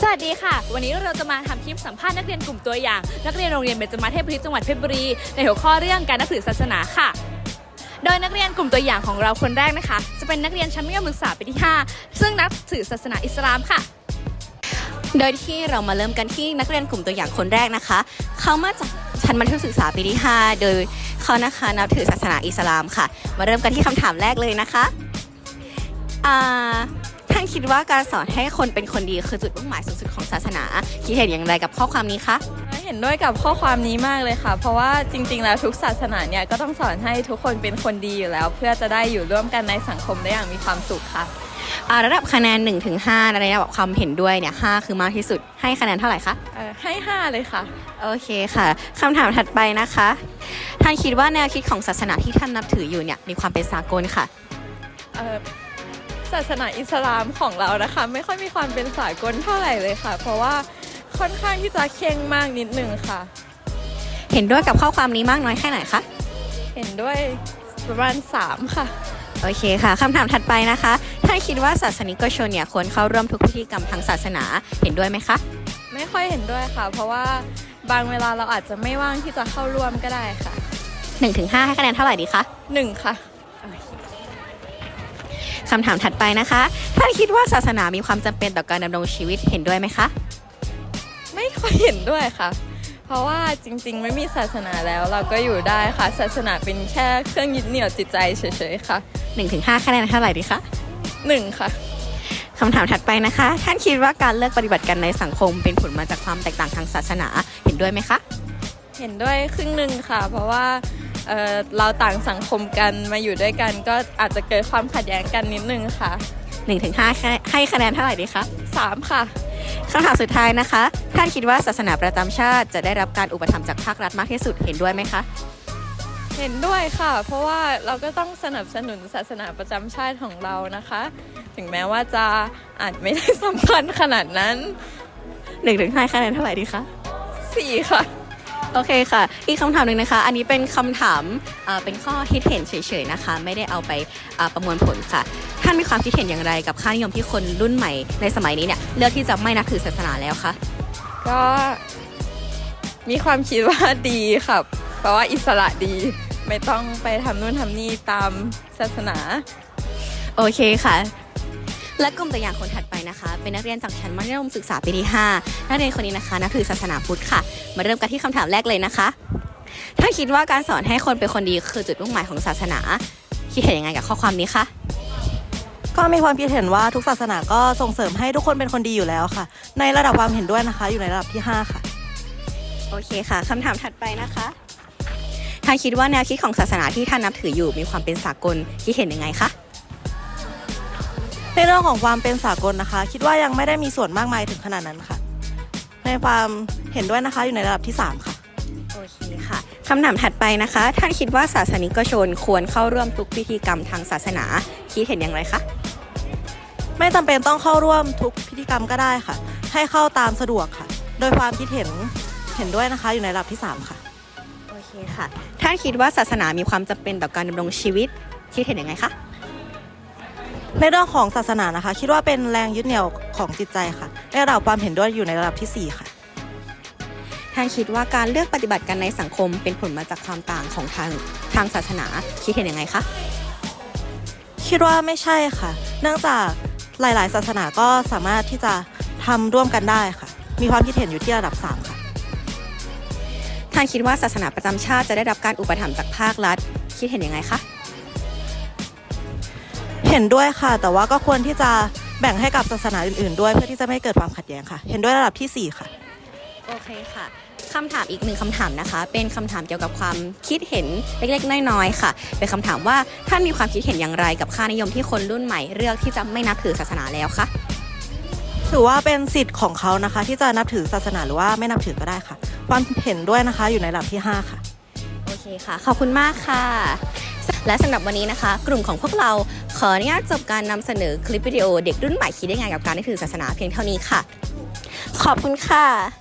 วัสดีค่ะวันนี้เราจะมาทำคลิปสัมภาษณ์นักเรียนกลุ่มตัวอย่างนักเรียนโรงเรียนเบญจมาศเทพบริตจังหวัดเพชรบุรีในหัวข้อเรื่องการนับถือศาสนาค่ะโดยนักเรียนกลุ่มตัวอย่างของเราคนแรกนะคะจะเป็นนักเรียนชั้นมัธยมศึกษาปีที่5ซึ่งนับถือศาสนาอิสลามค่ะโดยที่เรามาเริ่มกันที่นักเรียนกลุ่มตัวอย่างคนแรกนะคะเขามาจากชั้นมัธยมศึกษาปีที่5โดยเขานะคะนับถือศาสนาอิสลามค่ะมาเริ่มกันที่คำถามแรกเลยนะคะท่านคิดว่าการสอนให้คนเป็นคนดีคือจุดมุ่งหมายสูงสุดของศาสนาคิดเห็นอย่างไรกับข้อความนี้คะเห็นด้วยกับข้อความนี้มากเลยค่ะเพราะว่าจริงๆแล้วทุกศาสนาเนี่ยก็ต้องสอนให้ทุกคนเป็นคนดีอยู่แล้วเพื่อจะได้อยู่ร่วมกันในสังคมได้อย่างมีความสุขค่ะระดับคะแนน 1-5 ในระดับความเห็นด้วยเนี่ย5คือมากที่สุดให้คะแนนเท่าไหร่คะให้5เลยค่ะโอเคค่ะคำถามถัดไปนะคะท่านคิดว่าแนวคิดของศาสนาที่ท่านนับถืออยู่เนี่ยมีความเป็นสากลค่ะศาสนาอิสลามของเรานะคะไม่ค่อยมีความเป็นสากลเท่าไหร่เลยค่ะเพราะว่าค่อนข้างที่จะเคร่งมากนิดนึงค่ะเห็นด้วยกับข้อความนี้มากน้อยแค่ไหนคะเห็นด้วยประมาณ3ค่ะโอเคค่ะคำถามถัดไปนะคะท่านคิดว่าศาสนิกชนเนี่ยควรเข้าร่วมทุกพิธีกรรมทางศาสนาเห็นด้วยไหมคะไม่ค่อยเห็นด้วยค่ะเพราะว่าบางเวลาเราอาจจะไม่ว่างที่จะเข้าร่วมก็ได้ค่ะ 1-5 ให้คะแนนเท่าไหร่ดีคะ 1ค่ะคำถามถัดไปนะคะท่านคิดว่าศาสนามีความจำเป็นต่อการดำรงชีวิตเห็นด้วยไหมคะไม่ค่อยเห็นด้วยค่ะเพราะว่าจริงๆไม่มีศาสนาแล้วเราก็อยู่ได้ค่ะศาสนาเป็นแค่เครื่องยึดเหนี่ยวจิตใจเฉยๆค่ะ 1-5 คะแนนเท่าไหร่ดีคะ 1ค่ะคำถามถัดไปนะคะท่านคิดว่าการเลือกปฏิบัติกันในสังคมเป็นผลมาจากความแตกต่างทางศาสนาเห็นด้วยไหมคะเห็นด้วยครึ่งหนึ่งค่ะเพราะว่าเราต่างสังคมกันมาอยู่ด้วยกันก็อาจจะเกิดความขัดแย้งกันนิดนึงค่ะ 1-5 ให้คะแนนเท่าไหร่ดีคะ 3ค่ะคำถามสุดท้ายนะคะท่านคิดว่าศาสนาประจำชาติจะได้รับการอุปถัมภ์จากภาครัฐมากที่สุดเห็นด้วยไหมคะเห็นด้วยค่ะเพราะว่าเราก็ต้องสนับสนุนศาสนาประจำชาติของเรานะคะถึงแม้ว่าจะอาจไม่ได้สำคัญขนาดนั้น 1-5 คะแนนเท่าไหร่ดีคะ 4ค่ะโอเคค่ะอีกคำถามหนึ่งนะคะอันนี้เป็นคำถามเป็นข้อคิดเห็นเฉยๆนะคะไม่ได้เอาไปประมวลผลค่ะท่านมีความคิดเห็นอย่างไรกับค่านิยมที่คนรุ่นใหม่ในสมัยนี้เนี่ยเลือกที่จะไม่นับถือศาสนาแล้วคะก็มีความคิดว่าดีค่ะเพราะว่าอิสระดีไม่ต้องไปทำนู่นทำนี่ตามศาสนาโอเคค่ะและกลุ่มตัวอย่างคนถัดไปนะคะเป็นนักเรียนจากชั้นมัธยมศึกษาปีที่5นักเรียนคนนี้นะคะนับถือศาสนาพุทธค่ะมาเริ่มกันที่คำถามแรกเลยนะคะถ้าคิดว่าการสอนให้คนเป็นคนดีคือจุดมุ่งหมายของศาสนาคิดเห็นยังไงกับข้อความนี้คะก็มีความคิดเห็นว่าทุกศาสนาก็ส่งเสริมให้ทุกคนเป็นคนดีอยู่แล้วค่ะในระดับความเห็นด้วยนะคะอยู่ในระดับที่5ค่ะโอเคค่ะคำถามถัดไปนะคะท่านคิดว่าแนวคิดของศาสนาที่ท่านนับถืออยู่มีความเป็นสากลคิดเห็นยังไงคะในเรื่องของความเป็นสากลนะคะคิดว่ายังไม่ได้มีส่วนมากมายถึงขนาดนั้นค่ะในความเห็นด้วยนะคะอยู่ในระดับที่3ค่ะโอเคค่ะคำถามถัดไปนะคะท่านคิดว่าศาสนิกชนควรเข้าร่วมทุกพิธีกรรมทางศาสนาคิดเห็นอย่างไรคะไม่จำเป็นต้องเข้าร่วมทุกพิธีกรรมก็ได้ค่ะให้เข้าตามสะดวกค่ะโดยความคิดเห็นด้วยนะคะอยู่ในระดับที่3ค่ะโอเคค่ะท่านคิดว่าศาสนามีความจำเป็นต่อการดำรงชีวิตคิดเห็นอย่างไรคะในเรื่องของศาสนานะคะคิดว่าเป็นแรงยึดเหนี่ยวของจิตใจค่ะในระดับความเห็นด้วยอยู่ในระดับที่4ค่ะท่านคิดว่าการเลือกปฏิบัติกันในสังคมเป็นผลมาจากความต่างของทางศาสนาคิดเห็นยังไงคะคิดว่าไม่ใช่ค่ะเนื่องจากหลายๆศาสนาก็สามารถที่จะทำร่วมกันได้ค่ะมีความคิดเห็นอยู่ที่ระดับ3ค่ะท่านคิดว่าศาสนาประจำชาติจะได้รับการอุปถัมภ์จากภาครัฐคิดเห็นยังไงคะเห็นด้วยค่ะแต่ว่าก็ควรที่จะแบ่งให้กับศาสนาอื่นๆด้วยเพื่อที่จะไม่เกิดความขัดแย้งค่ะเห็นด้วยระดับที่4ค่ะโอเคค่ะคำถามอีก1คำถามนะคะเป็นคำถามเกี่ยวกับความคิดเห็นเล็กๆน้อยๆค่ะเป็นคำถามว่าท่านมีความคิดเห็นอย่างไรกับค่านิยมที่คนรุ่นใหม่เลือกที่จะไม่นับถือศาสนาแล้วคะถือว่าเป็นสิทธิ์ของเขานะคะที่จะนับถือศาสนาหรือว่าไม่นับถือก็ได้ค่ะความเห็นด้วยนะคะอยู่ในระดับที่5ค่ะโอเคค่ะขอบคุณมากค่ะและสำหรับวันนี้นะคะกลุ่มของพวกเราขออนุญาตจบการนำเสนอคลิปวิดีโอเด็กรุ่นใหม่คิดได้ไงกับการนับถือศาสนาเพียงเท่านี้ค่ะขอบคุณค่ะ